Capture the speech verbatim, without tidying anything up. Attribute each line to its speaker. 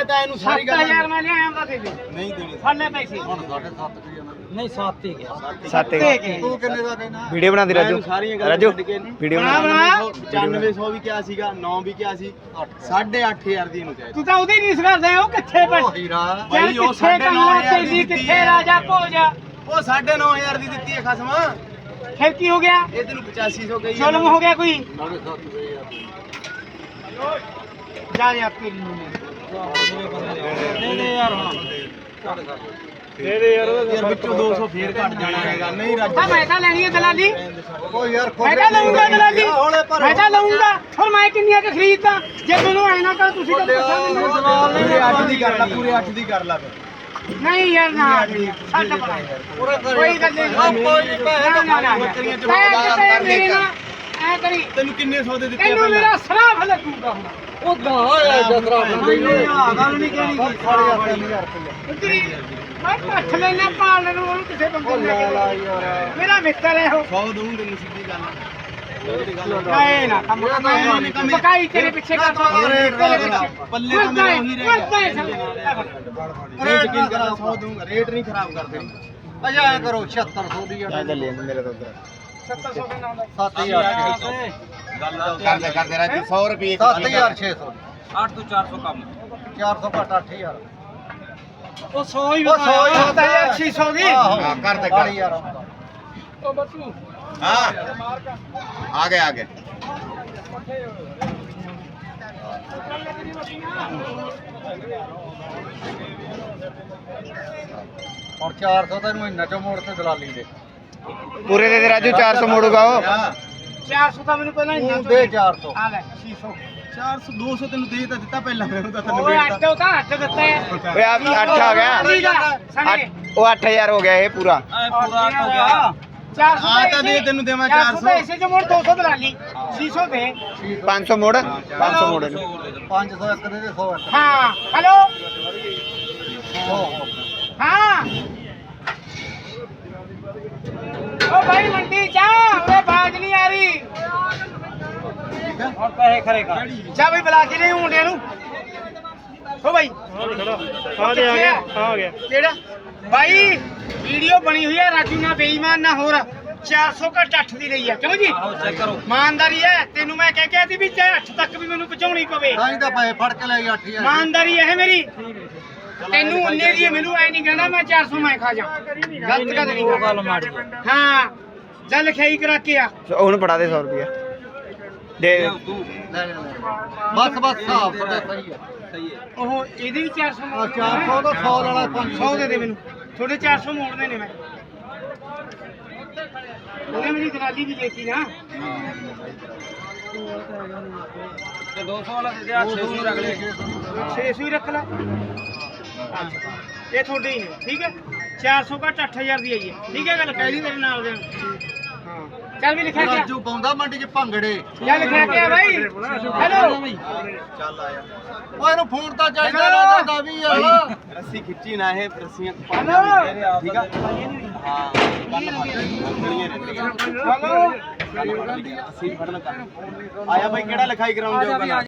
Speaker 1: ਮੈਂ ਤਾਂ ਇਹਨੂੰ ਸਾਰੀ ਗੱਲ
Speaker 2: ਸੱਤ ਹਜ਼ਾਰ ਮੈਂ ਲਿਆਇਆ ਤਾਂ ਦੇ ਦੇ
Speaker 1: ਨਹੀਂ ਦੇਣੀ
Speaker 2: ਫੜਨੇ ਪੈਸੇ
Speaker 1: ਹੁਣ ਸਾਢੇ ਸੱਤ ਕੀ ਜਾਣਾ
Speaker 2: ਨਹੀਂ ਸੱਤ ਹੀ ਗਿਆ
Speaker 3: ਸੱਤ
Speaker 1: ਤੂੰ ਕਿੰਨੇ ਦਾ ਕਹਿਣਾ
Speaker 3: ਵੀਡੀਓ ਬਣਾ ਦੇ ਰਾਜੂ ਰਾਜੂ ਵੀਡੀਓ
Speaker 2: ਬਣਾ
Speaker 3: ਬਣਾ
Speaker 2: ਬਣਾ
Speaker 1: ਪਚਾਨਵੇਂ ਸੌ ਵੀ ਕਿਹਾ ਸੀਗਾ ਨੌ ਵੀ ਕਿਹਾ ਸੀ ਸਾਢੇ ਅੱਠ ਹਜ਼ਾਰ ਦੀ ਇਹਨੂੰ ਚਾਹੀਦਾ
Speaker 2: ਤੂੰ ਤਾਂ ਉਹਦੀ ਨਹੀਂ ਕਰਦਾ ਉਹ ਕਿੱਥੇ ਬੈਠ
Speaker 1: ਉਹ ਹੀਰਾ
Speaker 2: ਯਾਰ
Speaker 1: ਬਾਈ ਉਹ
Speaker 2: ਕਿੱਥੇ
Speaker 1: ਸਾਢੇ ਨੌ
Speaker 2: ਕੰਨਾ
Speaker 1: ਹਜ਼ਾਰ ਦੀ
Speaker 2: ਤੇਰੀ
Speaker 1: ਦਿੱਤੀ
Speaker 2: ਕਿੱਥੇ
Speaker 1: ਹੈ
Speaker 2: ਰਾਜਾ ਭੋਜਾ
Speaker 1: ਉਹ ਸਾਢੇ ਨੌ ਹਜ਼ਾਰ ਦੀ ਦਿੱਤੀ ਹੈ ਖਸਮਾ
Speaker 2: ਫਿਰ ਕੀ ਹੋ ਗਿਆ
Speaker 1: ਇਹ ਤੈਨੂੰ ਪਚਾਸੀ ਸੌ ਕਹੀ
Speaker 2: ਜ਼ੁਲਮ ਹੋ ਗਿਆ ਕੋਈ
Speaker 1: ਸਾਢੇ ਸੱਤ ਸੌ ਯਾਰ
Speaker 2: ਜਾ ਜਾ ਤੇਰੀ ਨੂੰ ਦੇ ਦੇ ਯਾਰ ਹੁਣ
Speaker 1: ਦੇ ਦੇ ਯਾਰ ਯਾਰ ਵਿੱਚੋਂ ਦੋ ਸੌ ਫੇਰ ਘਟ ਜਾਣਾ ਹੈਗਾ ਨਹੀਂ ਰਾਜੂ
Speaker 2: ਤਾਂ ਮੈਂ ਤਾਂ ਲੈਣੀ ਹੈ ਦਲਾਲੀ
Speaker 1: ਉਹ ਯਾਰ
Speaker 2: ਮੈਂ ਤਾਂ ਲਊਂਗਾ ਦਲਾਲੀ ਮੈਂ ਤਾਂ ਲਊਂਗਾ ਹੋਰ ਮੈਂ ਕਿੰਨੀਆਂ ਕਿ ਖਰੀਦਦਾ ਜੇ ਮੈਨੂੰ ਐ ਨਾ ਕਰ ਤੁਸੀਂ ਤਾਂ ਪੁੱਛਾਂ ਮੈਨੂੰ ਜਵਾਬ ਨਹੀਂ
Speaker 1: ਪੂਰੇ ਅੱਠ ਦੀ ਕਰ ਲੈ ਪੂਰੇ ਅੱਠ ਦੀ ਕਰ ਲੈ ਫਿਰ
Speaker 2: ਨਹੀਂ ਯਾਰ ਨਾ ਛੱਡ ਪਰਾਂ ਕੋਈ ਗੱਲ ਨਹੀਂ
Speaker 1: ਕੋਈ ਨਹੀਂ ਪੈਸੇ
Speaker 2: ਨਾ ਨਾ
Speaker 1: ਬੱਕਰੀਆਂ ਚ
Speaker 2: ਮੈਂ
Speaker 1: ਹੋਗਾ
Speaker 2: ਕਿਤੇ
Speaker 1: ਕਰ
Speaker 2: ਮੇਰੇ
Speaker 1: ਦੇ
Speaker 2: ਨਾਲ ਐ ਕਰੀ
Speaker 1: ਤੈਨੂੰ ਕਿੰਨੇ ਸੌ ਦੇ ਦਿੱਤੇ
Speaker 2: ਤੈਨੂੰ ਮੇਰਾ ਸਰਾਫ ਲੱਗੂਗਾ ਹੁਣ
Speaker 1: ਉਹ ਦਾ ਹੋਇਆ ਜਸਰਾ ਬੰਦੇ ਆ ਗੱਲ ਨਹੀਂ ਕਹਿਣੀ
Speaker 2: ਉਤਰੀ ਮੈਂ ਪੱਠ ਲੈਣਾ ਪਾਲਣ ਨੂੰ ਉਹਨੂੰ ਕਿਸੇ ਬੰਦੇ ਨੂੰ ਲੈ ਕੇ ਮੇਰਾ ਮਿੱਤਰ ਹੈ ਉਹ
Speaker 1: ਸੌ ਦਊਂ ਤੈਨੂੰ ਸਿੱਧੀ ਗੱਲ
Speaker 2: ਨਹੀਂ ਨਾ ਕੰਮ ਪਕਾਈ ਤੇਰੇ ਪਿੱਛੇ ਕਰਦਾ
Speaker 1: ਪੱਲੇ ਤਾਂ ਮੇਰਾ ਉਹੀ ਰਹਿ ਗਿਆ
Speaker 2: ਗਿਆ
Speaker 1: ਰੇਟ ਕੀ ਕਰਾਂ ਸੌ ਦਊਂਗਾ ਰੇਟ ਨਹੀਂ ਖਰਾਬ ਕਰਦੇ ਅਜਾ ਐ ਕਰੋ ਛਿਅੱਤਰ ਸੌ ਦੀ
Speaker 3: ਜਾ ਚੱਲੇ ਮੇਰੇ ਤੋਂ ਉਧਰ
Speaker 2: ਸੱਤ ਸੌ ਦੇ ਨਾਲ
Speaker 1: ਸੱਤ ਹਜ਼ਾਰ
Speaker 3: ਕਰਦੇ ਕਰਦੇ ਰਾਜੂ ਸੌ ਰੁਪਏ
Speaker 1: ਸੱਤ ਹਜ਼ਾਰ ਛੇ ਸੌ
Speaker 2: ਅੱਠ ਤੋਂ ਚਾਰ ਸੌ ਕੰਮ
Speaker 1: ਚਾਰ ਸੌ ਘੱਟ ਅੱਠ ਹਜ਼ਾਰ
Speaker 2: ਉਹ ਸੌ ਹੀ
Speaker 1: ਉਹ ਸੌ ਹੀ
Speaker 2: ਸੱਤ ਹਜ਼ਾਰ ਛੇ ਸੌ ਦੀ
Speaker 3: ਹਾਂ ਕਰ ਦੇ ਕਰ
Speaker 1: ਯਾਰ
Speaker 2: ਉਹ ਬੱਤੂ
Speaker 3: ਹਾਂ ਆ ਗਏ ਆ ਗਏ
Speaker 1: ਹੁਣ ਚਾਰ ਸੌ ਤੈਨੂੰ ਮਹੀਨਾ ਚੋਂ ਮੋੜ ਤੇ ਦਲਾਲੀ ਦੇ
Speaker 3: ਪੂਰੇ ਦੇ ਦੇ ਰਾਜੂ ਚਾਰ ਸੌ ਮੋੜੂਗਾ ਉਹ
Speaker 2: ਚਾਰ ਸੌ ਤਾਂ ਮੈਨੂੰ ਪਹਿਲਾਂ ਹੀ
Speaker 1: ਤੂੰ ਦੇ ਚਾਰ ਸੌ
Speaker 2: ਆ ਲੈ ਛੇ ਸੌ
Speaker 1: ਚਾਰ ਸੌ ਦੋ ਸੌ ਤੈਨੂੰ ਦੇ ਤਾਂ ਦਿੱਤਾ ਪਹਿਲਾਂ ਮੈਨੂੰ ਤਾਂ
Speaker 2: ਓਏ ਅੱਠ ਉਹ ਤਾਂ ਅੱਠ ਦਿੱਤਾ ਹੈ
Speaker 3: ਓਏ ਆ ਅੱਠ ਆ ਗਿਆ
Speaker 2: ਸਣੇ
Speaker 3: ਅੱਠ- ਉਹ ਅੱਠ ਹਜ਼ਾਰ ਹੋ ਗਿਆ ਇਹ ਪੂਰਾ
Speaker 2: ਪੂਰਾ ਹੋ ਗਿਆ ਚਾਰ ਸੌ
Speaker 1: ਆ ਤਾਂ ਦੇ ਤੈਨੂੰ ਦੇਵਾਂ ਚਾਰ ਸੌ
Speaker 2: ਇਸੇ ਚ ਮੋੜ ਦੋ ਸੌ ਦਲਾਲੀ ਛੇ ਸੌ ਦੇ
Speaker 3: ਪੰਜ ਸੌ ਮੋੜ ਪੰਜ ਸੌ ਮੋੜ ਇਹਨੂੰ।
Speaker 1: ਪੰਜ ਸੌ ਇੱਕ ਦੇ ਦੇ ਸੌ ਇੱਕ
Speaker 2: ਹਾਂ ਹੈਲੋ
Speaker 1: ਸੌ
Speaker 2: ਹਾਂ ਓ ਭਾਈ ਮੰਡੀ ਜਾ ਓਏ ਬਾਜ ਨਹੀਂ ਆ ਰਹੀ और पैसे खरेगा जा भाई बुला के ले मुंडे नु ओ भाई आ गया आ गया केड़ा भाई वीडियो बनी हुई है राजू ना बेईमान ना होर चार सौ घट अठ दी लई है क्यों जी चेक करो ईमानदारी है तेनू मैं कह के दी भी चाहे अठ तक भी मेनू पहुंचाउणी पवे
Speaker 1: ਤਾਂ ਹੀ ਤਾਂ ਪੈਸੇ ਫੜ ਕੇ ਲੈ ਗਿਆ ਅੱਠ ਹਜ਼ਾਰ
Speaker 2: ईमानदारी है मेरी तेनू उन्ने दी मेनू ऐ नहीं कहना मैं चार सौ मैं खा जा गलत गल नहीं गल माड़ी हां जा लिखाई करा के आ
Speaker 3: ਉਹਨੂੰ ਪੜਾ ਦੇ ਸੌ ਰੁਪਏ ਦੇ
Speaker 1: ਬਸ ਬਸ ਹਿਸਾਬ ਤੁਹਾਡਾ ਸਹੀ ਹੈ
Speaker 2: ਉਹ ਇਹਦੇ ਵੀ ਚਾਰ ਸੌ
Speaker 1: ਆ ਚਾਰ ਸੌ ਦਾ ਸੌ ਵਾਲਾ ਪੰਜ
Speaker 2: ਸੌ ਦੇ ਦੇ ਮੈਨੂੰ ਥੋੜੇ ਚਾਰ ਸੌ ਮੋੜਨੇ ਨੇ ਮੈਂ ਉਹਨੇ ਮੇਰੀ ਦਲਾਲੀ ਵੀ ਦੇਤੀ ਨਾ ਤੇ ਦੋ ਸੌ ਵਾਲਾ ਦੇ ਦੇ ਛੇ ਸੌ ਰੱਖ ਲੈ ਛੇ ਸੌ ਹੀ ਰੱਖ ਲੈ ਇਹ ਤੁਹਾਡੇ ਹੀ ਨੇ ਠੀਕ ਹੈ ਚਾਰ ਸੌ ਘੱਟ ਅੱਠ ਹਜ਼ਾਰ ਦੀ ਆਈ ਹੈ ਠੀਕ ਹੈ ਗੱਲ ਕਹਿ ਲਈ ਤੇਰੇ ਨਾਲ ਦੇ ਹਾਂ ਚੱਲ ਵੀ ਲਿਖਿਆ ਗਿਆ
Speaker 1: ਰਾਜੂ ਪਾਉਂਦਾ ਮੰਡੀ 'ਚ ਭੰਗੜੇ
Speaker 2: ਚੱਲ ਲਿਖਿਆ ਗਿਆ ਬਾਈ ਹੈਲੋ
Speaker 1: ਚੱਲ ਆਇਆ ਓਏ ਇਹਨੂੰ ਫੋਨ ਤਾਂ ਚਾਹੀਦਾ ਲੱਗਦਾ ਵੀ ਯਾਰ
Speaker 3: ਰੱਸੀ ਖਿੱਚੀ ਨਾ ਇਹ ਰੱਸੀਆਂ
Speaker 2: ਹੈਲੋ
Speaker 3: ਠੀਕ ਆ
Speaker 2: ਹਾਂ
Speaker 3: ਹੈਲੋ ਅਸੀਂ ਫੜਨ ਆਇਆ ਬਾਈ ਕਿਹੜਾ ਲਿਖਾਈ ਕਰਾਉਣ ਜਾਊਗਾ